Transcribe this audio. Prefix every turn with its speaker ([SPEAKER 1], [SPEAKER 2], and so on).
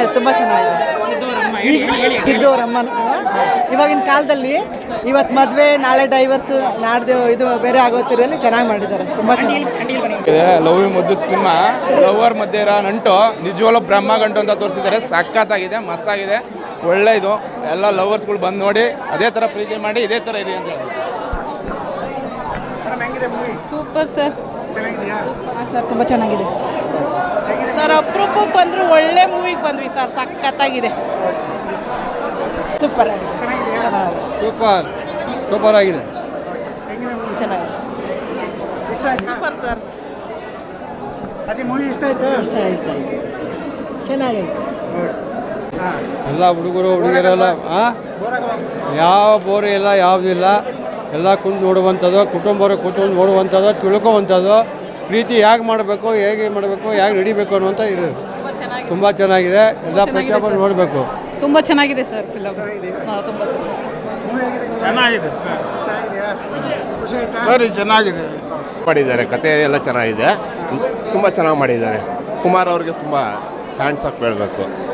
[SPEAKER 1] ತುಂಬ ಚೆನ್ನಾಗಿದೆ. ಈಗ ಸಿದ್ದು ಅವರ ಅಮ್ಮನ ಇವಾಗಿನ ಕಾಲದಲ್ಲಿ ಇವತ್ತು ಮದುವೆ ನಾಳೆ ಡೈವರ್ಸು ನಾಡ್ದು ಇದು ಬೇರೆ ಆಗೋತಿರಲ್ಲಿ ಚೆನ್ನಾಗಿ ಮಾಡಿದ್ದಾರೆ. ತುಂಬ ಚೆನ್ನಾಗಿದೆ.
[SPEAKER 2] ಲವ್ ಮುದ್ದು ಸಿನಿಮಾ ಲವರ್ ಮಧ್ಯೆ ಇರೋ ನಂಟು ನಿಜವಾಗ್ಲೂ ಬ್ರಹ್ಮ ಗಂಟು ಅಂತ ತೋರಿಸಿದ್ದಾರೆ. ಸಖತ್ತಾಗಿದೆ, ಮಸ್ತಾಗಿದೆ, ಒಳ್ಳೆ ಇದು. ಎಲ್ಲ ಲವರ್ಸ್ಗಳು ಬಂದು ನೋಡಿ ಅದೇ ಥರ ಪ್ರೀತಿ ಮಾಡಿ ಇದೇ ಥರ ಇರಿ ಅಂತ ಹೇಳಿ.
[SPEAKER 3] Super sir.
[SPEAKER 1] ಸರ್ ತುಂಬ ಚೆನ್ನಾಗಿದೆ ಸರ್. ಅಪರೂಪಕ್ಕೆ ಬಂದರು, ಒಳ್ಳೆ ಮೂವಿಗೆ ಬಂದ್ವಿ ಸರ್. ಸಖತ್ತಾಗಿದೆ, ಸೂಪರ್ ಆಗಿದೆ, ಚೆನ್ನಾಗಿದೆ,
[SPEAKER 2] ಸೂಪರ್ ಆಗಿದೆ,
[SPEAKER 1] ಚೆನ್ನಾಗಿದೆ, ಸೂಪರ್ ಸರ್.
[SPEAKER 4] ಇಷ್ಟ ಆಯ್ತು,
[SPEAKER 1] ಚೆನ್ನಾಗೈತೆ.
[SPEAKER 5] ಎಲ್ಲ ಹುಡುಗರು ಹುಡುಗಿಯರೆಲ್ಲ ಯಾವ ಬೋರು ಇಲ್ಲ, ಯಾವುದಿಲ್ಲ. ಎಲ್ಲ ಕುಂತು ನೋಡುವಂಥದ್ದು, ಕುಟುಂಬರು ಕೂತ್ಕೊಂಡು ನೋಡುವಂಥದ್ದು, ತಿಳ್ಕೊವಂಥದ್ದು, ಪ್ರೀತಿ ಹೇಗೆ ಮಾಡಬೇಕು, ಹೇಗೆ ಮಾಡಬೇಕು, ಹೇಗೆ ನಡಿಬೇಕು ಅನ್ನುವಂಥ ಇರೋದು. ತುಂಬ ಚೆನ್ನಾಗಿದೆ. ಎಲ್ಲ ಪ್ರತಿಯೊಬ್ಬರು ನೋಡಬೇಕು.
[SPEAKER 3] ತುಂಬ ಚೆನ್ನಾಗಿದೆ ಸರ್ ಫಿಲಮ್. ತುಂಬ
[SPEAKER 4] ಚೆನ್ನಾಗಿದೆ.
[SPEAKER 6] ಚೆನ್ನಾಗಿದೆ ಮಾಡಿದ್ದಾರೆ. ಕತೆ ಎಲ್ಲ ಚೆನ್ನಾಗಿದೆ, ತುಂಬ ಚೆನ್ನಾಗಿ ಮಾಡಿದ್ದಾರೆ. ಕುಮಾರ್ ಅವ್ರಿಗೆ ತುಂಬ ಹ್ಯಾಂಡ್ಸ್ ಆಫ್ ಹೇಳಬೇಕು.